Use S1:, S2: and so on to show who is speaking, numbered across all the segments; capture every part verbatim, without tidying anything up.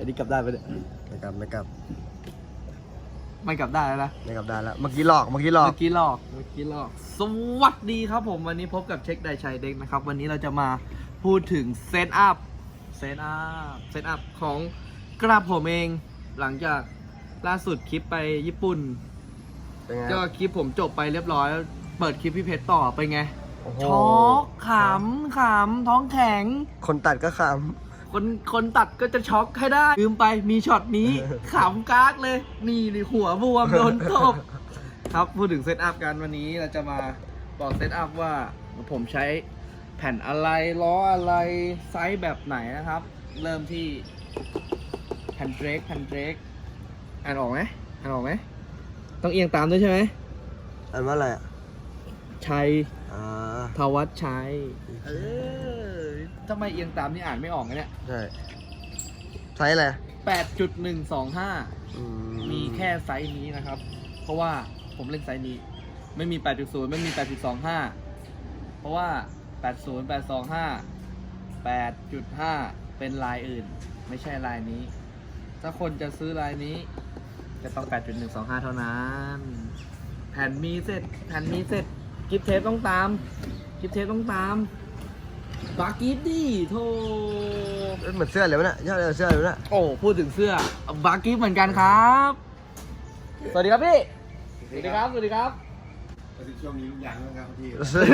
S1: นนี้กลับได้ไหมเนี่ย
S2: ไม่กลับไม่กลับ
S1: ไม่กลับได้แล้วนะ
S2: ไม่กลับได้แล้วเมื่อกี้หลอกเมื่อกี้หลอก
S1: เมื่อกี้หลอกเมื่อกี้หลอกสวัสดีครับผมวันนี้พบกับเช็คไดชัยเด็กนะครับวันนี้เราจะมาพูดถึงเซตอัพเซตอัพเซตอัพของกระผมเองหลังจากล่าสุดคลิปไปญี่ปุ่น
S2: เป็นไง
S1: ก็คลิปผมจบไปเรียบร้อยเปิดคลิปพี่เพชรต่อไปไง
S2: โอ้โห
S1: ช็อกขำขำท้องแข็ง
S2: คนตัดก็ข
S1: คนคนตัดก็จะช็อกให้ได้ลืมไปมีช็อตนี้ ขำกากเลย นี่นี่หัวบวมโดนตบครับพูดถึงเซตอัพกันวันนี้เราจะมาบอกเซตอัพว่าผมใช้แผ่นอะไรล้ออะไรไซส์แบบไหนนะครับ เริ่มที่แผ่นเดรกแผ่นเดรกอ่านออกไหมอ่านออกไหมต้องเอียงตามด้วยใช่ไหม
S2: ำอันว่าอะไรอ่ะ
S1: ชัย
S2: อ่า
S1: ทวัชชัยเออทำไมเอียงตามนี่อ่านไม่ออกนะเนี่ย
S2: ใช่ไซส์อะไร
S1: แปดจุดหนึ่งสองห้า
S2: อื
S1: มีแค่ไซส์นี้นะครับ เพราะว่าผมเล่นไซส์นี้ ไม่มี แปดจุดศูนย์ ไม่มี แปดจุดสองห้า เพราะว่า แปดศูนย์ แปดสองห้า แปดจุดห้า เป็นลายอื่น ไม่ใช่ลายนี้ ถ้าคนจะซื้อลายนี้จะต้อง แปดจุดหนึ่งสองห้า เท่านั้น แผ่นมีเสร็จ แผ่นมีเสร็จ กิฟเทปต้องตาม กิฟเทปต้องตามบากิฟดิโธ่
S2: เอ้ยเหมือนเสื้อเลยวะเนี่ยยอดเลยเสื้อเลยวะเนี่ย
S1: โอ้ พูดถึงเสื้อบาร์กิฟเหมือนกันครับ สวัสดีครับพี่ สวัสดีครับ สวัสดีครับ
S3: ช่วงนี้ลูกยางนะครับพี่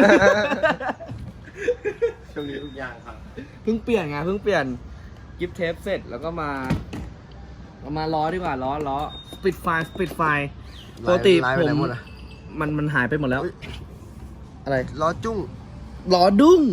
S3: ช่วงนี้ลูกยางครับ
S1: เพิ่งเปลี่ยนไง เพิ่งเปลี่ยนกิฟเทปเสร็จแล้วก็มาเรามาล้อดีกว่าล้อล้อสปิดไฟสปิดไฟปกติ
S2: ลาย
S1: ผ
S2: ไปไหน
S1: ม
S2: หมดอ่ะ
S1: มันมันหายไปหมดแล้ว อะไร
S2: ล้อจุ้ง
S1: ล้อดุ้ง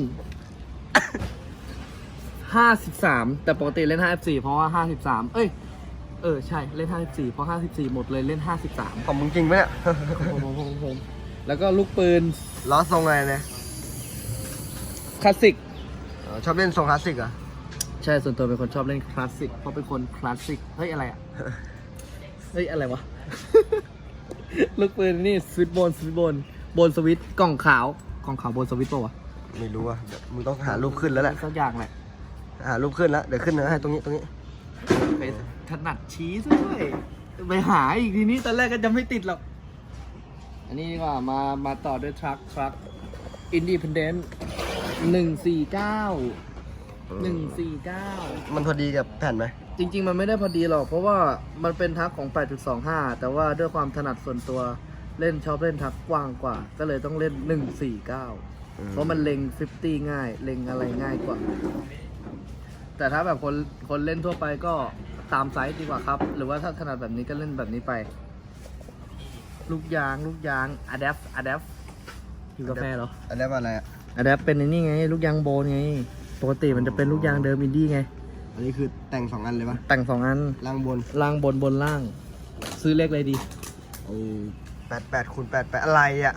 S1: ห้าสิบสาม แต่ปกติเล่นห้าสิบสี่เพราะว่าห้าสิบสามเอ้ย เออ ใช่ เล่นห้าสิบสี่เพราะห้าสิบสี่หมดเลยเล่นห้าสิบสาม
S2: ของมึงจริงไหมเนี่ย
S1: ผมผมผมผมแล้วก็ลูกปืน
S2: ล้อทรงอะไรเนี่ย
S1: คลาสสิก
S2: อ๋อชอบเล่นทรงคลาสสิกเหรอ่ะ
S1: ใช่ส่วนตัวเป็นคนชอบเล่นคลาสสิกเพราะเป็นคนคลาสสิกเฮ้ยอะไรอ่ะ เฮ้ยอะไรวะ ลูกปืนนี่สวิตช์บนสวิตช์บนบนสวิตช์กล่องขาวกล่องขาวบนสวิตช์ป่าวะ
S2: ไม่รู้อ่ะเดี๋ยวมึงต้องหารูปขึ้นแล้วแหละ
S1: สักอย่างแหละ
S2: หารูปขึ้นแล้วเดี๋ยวขึ้นนะให้ตรงนี้ตรงนี้
S1: ไปถนัดชี้ซะด้วยไปหาอีกทีนี้ตอนแรกก็จะไม่ติดหรอกอันนี้ดีกว่ามามาต่อด้วยทรัคทรัคอินดีพเดนต์หนึ่งสี่เก้าหนึ่งสี่เก้า
S2: มันพอดีกับแผ่นไหม
S1: จริงๆ มันไม่ได้พอดีหรอก เพราะว่ามันเป็นทักของ แปดจุดสองห้า แต่ว่าด้วยความถนัดส่วนตัวเล่นชอบเล่นทักกว้างกว่า ก็เลยต้องเล่น หนึ่งสี่เก้า เพราะมันเล็ง ห้าสิบ ง่าย เล็งอะไรง่ายกว่า แต่ถ้าแบบคนคนเล่นทั่วไปก็ตามไซส์ดีกว่าครับ หรือว่าถ้าถนัดแบบนี้ก็เล่นแบบนี้ไป ลูกยาง ลูกยาง Adapt Adapt อยู่กาแฟเหรอ
S2: อันนี้ว่าอะไรอ่ะ
S1: Adapt เป็นไอ้นี่ไง ลูกยางโบนไง ปกติมันจะเป็นลูกยางเดิมอินดี้ไง
S2: อันนี้คือแต่งสองอันเลยปะ
S1: แต่งสองอัน
S2: ล่างบน
S1: ล่างบนบนล่าง ซื้อเลขอะไรดี
S2: โอ้แปดแปดคูณแปดแปดอะไรอ่ะ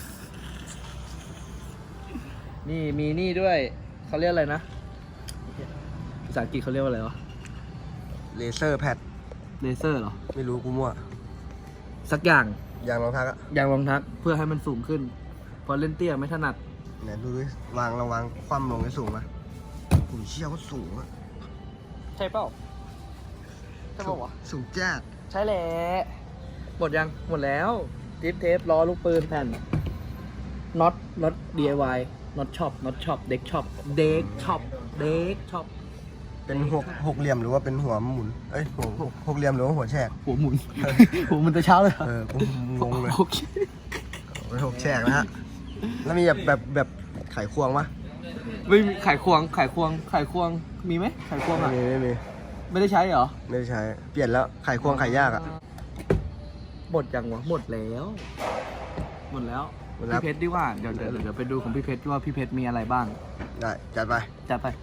S1: นี่มีนี่ด้วย เขาเรียกอะไรนะ ภาษาอังกฤษเขาเรียกว่าอะไรวะ
S2: เลเซอร์แพด
S1: เลเซอร์เหรอ
S2: ไม่รู้กูมั่ว
S1: สักอย่าง
S2: ยางรองเท้าอะ
S1: อย่างรองทักเพื่อให้มันสูงขึ้น พอเล่นเตี้ยไม่ถนัด
S2: เนี่ยดูดิวางระวังคว่ำลงให้สูงนะโอ้ยเชี่ยวก็สูงอะ
S1: ใช่เปล่า ใช่เปล่าวะ
S2: สูงจัด
S1: ใช่แหละหมดยัง หมดแล้วดิฟเทปล้อลูกปืนแผ่นน็อตน็อต ดี ไอ วาย น็อตช็อปน็อตช็อปเด็กช็อปเด็กช็อปเด็กช็อป
S2: เป็นหกหกเหลี่ยมหรือว่าเป็นหัวหมุน เอ้ยหัวหกหกเหลี่ยมหรือว่าหัวแฉก
S1: หัวหมุน หัวหมุนแต่เช้าเลยเหรอ
S2: เออกูงงเลย
S1: โอเค
S2: เป็นหกแฉกนะฮะ แล้วมีแบบแบบแบบไขควงปะ
S1: ไม่มีไขควงไขควงไขควงมีไหมไขควง
S2: ไม่
S1: อ่ะ
S2: มีไม่มี
S1: ไม่ได้ใช้เหรอ
S2: ไม่ได้ใช้ เปลี่ยนแล้วไขควงไขยากอะ
S1: หมดยังวะหมดแล้ว หมดแล้ว
S2: หมดแล้ว
S1: พี่เพชรดีกว่าเดี๋ยวเดี๋ยวเดี๋ยวไปดูของพี่เพชรว่าพี่เพชรมีอะไรบ้าง
S2: ได้จัดไป
S1: จัดไป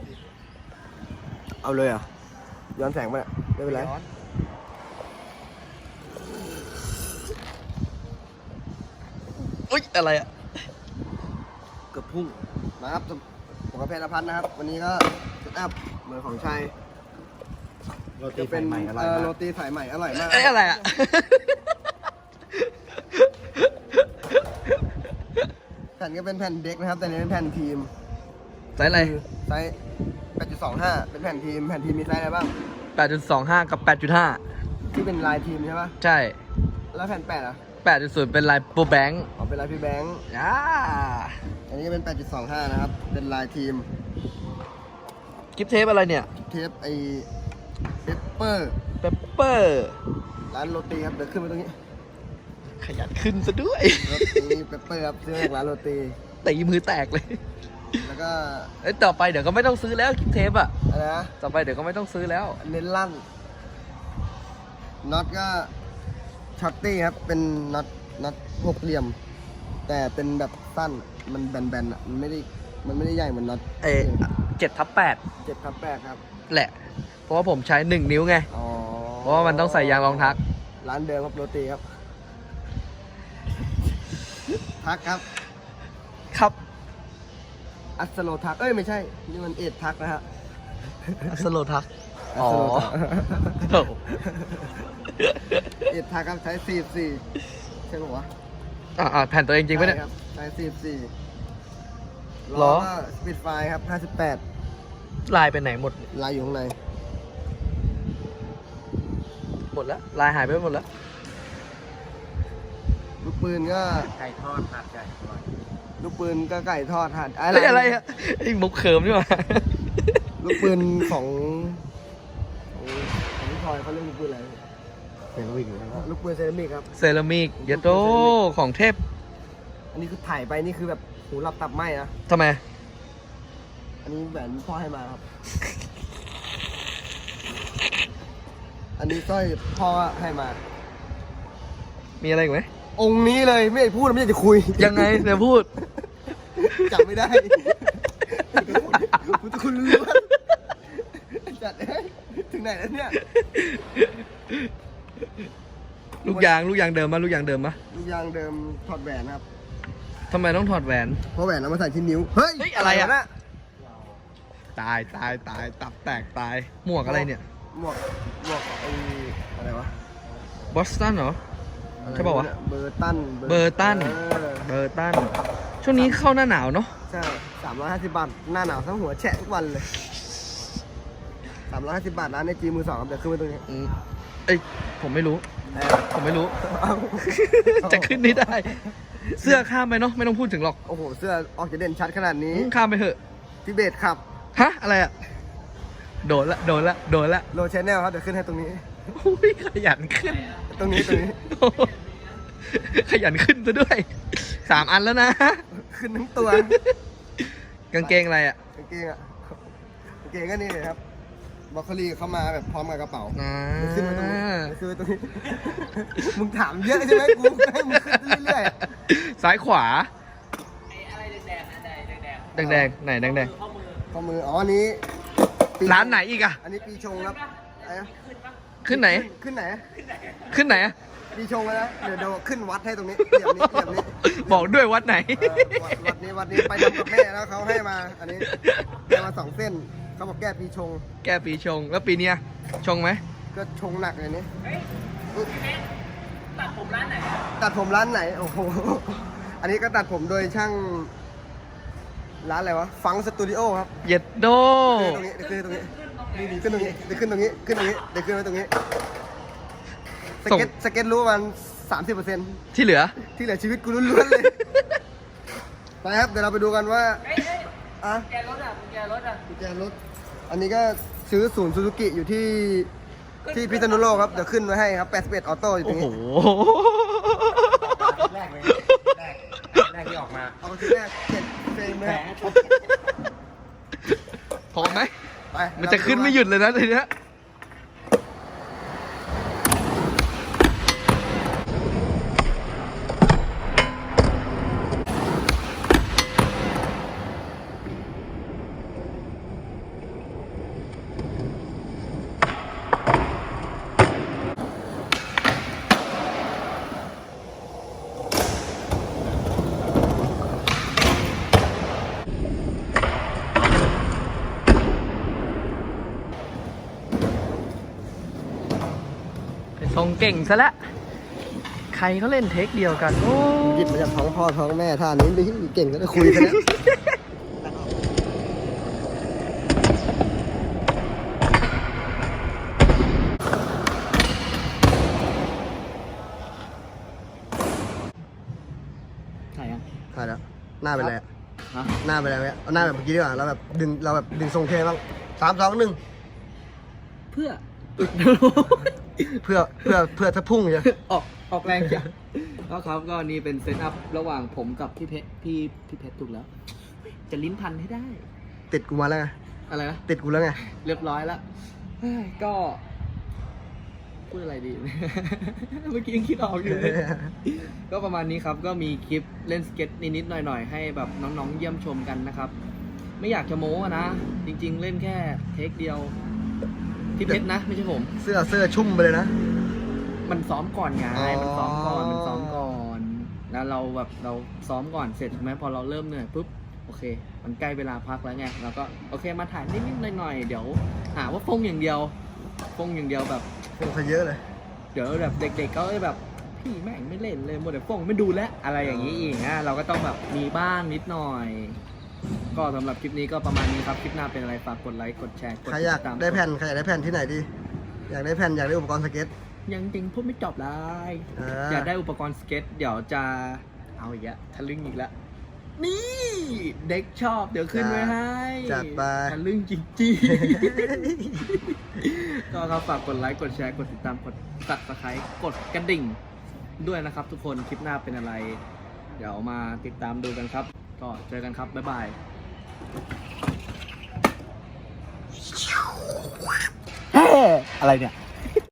S2: เอาเลยเหรอ่ะ ย้อนแสงไปะเนี่ยไม่เป็นไร
S1: อุ๊ยอะไรอ่ะเกือบพุ่ง
S2: มาครับผมกับเพชรพัฒน์นะครับ วันนี้ก็เซตอัพเหมือนของชัย
S3: โรตี
S2: จะเป็น
S3: ใหม่อร่อย
S2: เอ่อ
S3: มา
S2: โร
S3: ก
S2: ตีสายใหม่อร่อยมาก
S1: เอ้ยอะไรอ่ะ
S2: แผ่นก็เป็นแผ่นเด็กนะครับ แต่อันนี้เป็นแผ่นทีม
S1: ไซส์อะไร
S2: ไซส์ แปดจุดสองห้า เป็นแผ่นทีม แผ่นทีมมีไซส์อะไรบ้าง
S1: แปดจุดสองห้า กับ แปดจุดห้า
S2: ที่เป็นลายทีมใช่ปะ
S1: ใช่
S2: แล้วแผ่นแปดอ่ะ
S1: แปดจุดศูนย์ เป็นลายโปรแบงค์
S2: อ๋อเป็นลายพี่แบงค์
S1: อ่า
S2: อันนี้ก็เป็น แปดจุดสองห้า นะครับ เป็นลายทีม
S1: กิฟเทปอะไรเนี่ย
S2: เทปไอเปปเปอร์
S1: เปปเปอร์
S2: ร้านโรตีครับ เดี๋ยวขึ้นไปตรงนี้
S1: ขยันขึ้นซะด้วย
S2: โรตีเปปเปอร์ครับซื้อมาจากร้านโรตี
S1: ตีมือแตกเลย
S2: แล้วก็
S1: เอ้ยต่อไปเดี๋ยวก็ไม่ต้องซื้อแล้วกิฟเทปอะ
S2: อะไรนะ
S1: ต่อไปเดี๋ยวก็ไม่ต้องซื้อแล้ว
S2: เน้นลั่นน็อตก็ช็อตตี้ครับ เป็นน็อตน็อตหกเหลี่ยม แต่เป็นแบบสั้น มันแบนๆอ่ะ มันไม่ได้ มันไม่ได้ใหญ่เหมือนน็อต
S1: เอเจ็ดทับแปด
S2: เจ็ดครับแปดครับ
S1: แหละ เพราะว่าผมใช้หนึ่งนิ้วไง
S2: อ๋อ
S1: เพราะว่ามันต้องใส่ยางรองทัก
S2: ร้านเดิมครับโรตีครับ ทักครับ
S1: ครับ
S2: อัสโลทัก เอ้ยไม่ใช่ นี่มันเอ็ดทักนะฮะ
S1: สโลทัก อ๋อ
S2: อัสโลทัก เอ็ดทักครับใช้สี่สี่ใช่ไหมวะ
S1: อ่าอ่าแผ่นตัวเองจริงปะเนี่ย
S2: ใช่ครับใช้สี่สี่
S1: ล้
S2: ล้
S1: อ
S2: อก็สปีดไฟครับห้าสิบแปด
S1: ลายไปไหนหมด
S2: ลายอยู่ข้างใน
S1: หมดแล้ว ลายหายไปหมดแล้ว
S2: ลูกปืนก็
S3: ไก่ทอดผัดไก่ทอด
S2: ลูกปืนก็ไก่ทอดหั่น
S1: เฮ้ยอะไรอะไอ้มุกเขิมนี่หว่า
S2: ลูกปืนของของของพี่พลอยเขาเรียกลูกปืนอะไร
S3: เป็นวิ่งนะครับ
S2: ลูกปืนเซรามิกครับ
S1: เซรามิกเยโตของเทพ
S2: อันนี้คือถ่ายไปนี่คือแบบหูหลับตับไหมนะ
S1: ทำไม
S2: อันนี้แหวนพ่อให้มาครับ อันนี้สร้อยพ่อให้มา
S1: มีอะไรอีกไหม
S2: องค์นี้เลยไม่ได้พูดไม่ได้จะคุย
S1: ยังไงเดี๋ยวพูด
S2: จับไม่ได้พุทธคุณรู้ว่าจัดเอ้ยถึงไหนแล้วเนี่ย
S1: ลูกยางลูกยางเดิมมะลูกยางเดิมมะ
S2: ลูกยางเดิมถอดแหวนครับ
S1: ทำไมต้องถอดแหวน
S2: เพราะแหวนเอามาใส่ที่นิ้ว เฮ้ย
S1: เฮ้ยอะไรอะ
S2: นะ
S1: ตายตายตายตับแตกตายหมวกอะไรเนี่ย
S2: หมวกหมวกไอ้อะไรวะ
S1: บอสตันเหรอ ใช่ป่าวะ
S2: เบอร์ตัน
S1: เบอร์ตัน
S2: เออ
S1: เบอร์ตันช่วงนี้เข้าหน้าหนาวเนาะ
S2: ใช่สามร้อยห้าสิบบาท หน้าหนาวทั้งหัวแฉะทุกวันเลยสามร้อยห้าสิบบาทร้านในจีมือสองครับเดี๋ยวขึ้นไปตรงนี้
S1: อืมเอ้ยผมไม่รู้
S2: เออ
S1: ผมไม่รู้
S2: เอา
S1: จะขึ้นไม่ได้ เสื้อข้ามไปเนาะไม่ต้องพูดถึงหรอก
S2: โอ้โห เสื้อออกจะเด่นชัดขนาดนี้
S1: อืมข้ามไปเถอะ
S2: ทิเบตขับ
S1: ฮะอะไรอะโดนละโดนละโดนละ
S2: โลชแนลครับ เดี๋ยวขึ้นให้ตรงนี้
S1: โอ้ยขยันขึ้น
S2: ตรงนี้ตรงนี้
S1: ขยันขึ้นซะด้วยสามอันแล้วนะ
S2: ขึ้นทั้งตัว
S1: กางเกงอะไรอ่ะ
S2: กางเกงอ่ะกางเกงก็นี่เลยครับบล็อกโคลี่เข้ามาแบบพร้อมกับกระเป๋า
S1: อ่า
S2: เดี๋ยวขึ้นมาตรงนี้เดี๋ยวขึ้นมาตรงนี้ มึงถามเยอะใช่ไหมกูให้มึงขึ้นเรื่อย
S1: ซ้ายขวาแดงแดงๆไหนแดงแดง
S2: ๆข้อมือ อ๋ออันนี้ปี
S1: ร้านไหนอีกอะ
S2: อันนี้ปีชงครับอะไรนะ
S1: ขึ้นไหน
S2: ขึ้นไหน
S1: ขึ้นไหนอะ
S2: ปีชงแล้วนะเดี๋ยวเดี๋ยวขึ้นวัดให้ตรงนี้เหลี่ยมนี้เหลี่ยมนี้
S1: บอกด้วยวัดไหน
S2: เออวัดวัดนี้วัดนี้ไปทำกับแม่แล้วเขาให้มา อันนี้ให้มาสองเส้นเขาบอกแก้ปีชง
S1: แก้ปีชงแล้วปีเนี้ยชงไหม
S2: ก็ชงหนักเลยนี่ตัดผมร้านไหน ตัดผมร้านไหน โอ้โห อันนี้ก็ตัดผมโดยช่าง ร้านอะไรวะ ฟังสตูดิโอครับ
S1: เย็ดโด
S2: ขึ้นตรงนี้เดี๋ยวขึ้นตรงนี้นี่นี่ขึ้นตรงนี้เดี๋ยวขึ้นตรงนี้ ขึ้นตรงนี้ เดี๋ยวขึ้นไว้ตรงนี้ สเก็ต สเก็ตรู้มันสามสิบเปอร์เซ็นต์
S1: ที่เหลือ
S2: ที่เหลือชีวิตกูล้วนๆเลย ไปครับ เดี๋ยวเราไปดูกันว่าอ่ะกุญแจรถอ่ะกุญแจรถอ่ะกุญแจรถ อันนี้ก็ซื้อศูนย์ซูซูกิอยู่ที่ที่พิษณุโลกครับ เดี๋ยวขึ้นไว้ให้ครับแปดสิบเอ็ดออโต้อยู่ตร
S1: โอ้
S2: ง
S1: โห
S2: นี้
S3: แรกเลยแรกแรกที่ออกมา
S2: เอาทีแรกเจ็ดเฟรมเลย
S1: พอไหม
S2: ไป
S1: มันจะขึ้นไม่หยุดเลยนะทีเนี้ยทรงเก่งซะและ้วใครเขาเล่นเทคเดียวกันโอ้
S2: หยิบมาจากท้องพ่อท้องแม่ท่านี้ดิเก่งก็ได้คุยกันแล้วหน้าเป็นไรอะ
S1: ฮะ
S2: หน้าเป็นไรเนี่ยเอาหน้าแบบเมื่อกี้ดีกว่าเราแบบดึงเราแบบดึงทรงเท่บ้างสามสองหนึ่ง
S1: เพื่อ
S2: เพื่อเพื่อเพื่อถ้าพุ่งใช่
S1: ออกออกแรงจ้ะก็ครับก็นี่เป็นเซตอัพระหว่างผมกับพี่เพชรพี่พี่เพชรถูกแล้ว จะลิ้นพันให้ได้
S2: ติดกูมาแล้วไง
S1: อะไรนะ
S2: ติดกูแล้วไง
S1: เรียบร้อยแล้วเฮ้ยก็พูดอะไรดี เมื่อกี้ยังคิดออกอยู่เลย ก็ประมาณนี้ครับก็มีคลิปเล่นสเก็ตนิดๆหน่อยๆให้แบบน้องๆเยี่ยมชมกันนะครับ ไม่อยากจะโม้อะนะ จริงๆเล่นแค่เทคเดียวพี่เพชรนะ ไม่ใช่ผม
S2: เสื้อเสื้อชุ่มไปเลยนะ
S1: มันซ้อมก่อนไง
S2: อ๋อ
S1: มันซ้อมก่อน มันซ้อมก่อน แล้วเราแบบเราซ้อมก่อนเสร็จใช่ไหมพอเราเริ่มเหนื่อยปุ๊บ โอเค มันใกล้เวลาพักแล้วไง เราก็โอเคมาถ่ายนิดๆหน่อยๆ เดี๋ยวหาว่าฟงอย่างเดียว ฟงอย่างเดียวแบบ
S2: คงซะเยอะเลย
S1: เดี๋ยวแบบเด็กๆก็แบบพี่แม่งไม่เล่นเลยหมดแต่ฟงไม่ดูแลวอะไรอย่างนี้อีกนะเราก็ต้องแบบมีบ้างนิดหน่อย ก็สำหรับคลิปนี้ก็ประมาณนี้ครับ คลิปหน้าเป็นอะไรฝากกดไลค์ กดแชร์ กด
S2: ใครอยาก
S1: ติดตาม
S2: ได้แผ่นใครอยากได้แผ่นที่ไหนดี อยากได้แผ่นอยากได้อุปกรณ์สเก็ต
S1: ยังจริงพูดไม่จบเลย
S2: อ่า
S1: อยากได้อุปกรณ์สเก็ต เดี๋ยวจะเอาอีกแล้วทะลึ่งอีกแล้ว นี่เด็กชอบเดี๋ยวขึ้นไว้ให้
S2: จัดไป
S1: ทะลึ่งจริงๆ ก็ครับฝากกดไลค์ กดแชร์ กดติดตาม กดซับสไครต์กดกระดิ่งด้วยนะครับทุกคน คลิปหน้าเป็นอะไร เดี๋ยวมาติดตามดูกันครับ ก็เจอกันครับ บ๊ายบาย อะไรเนี่ย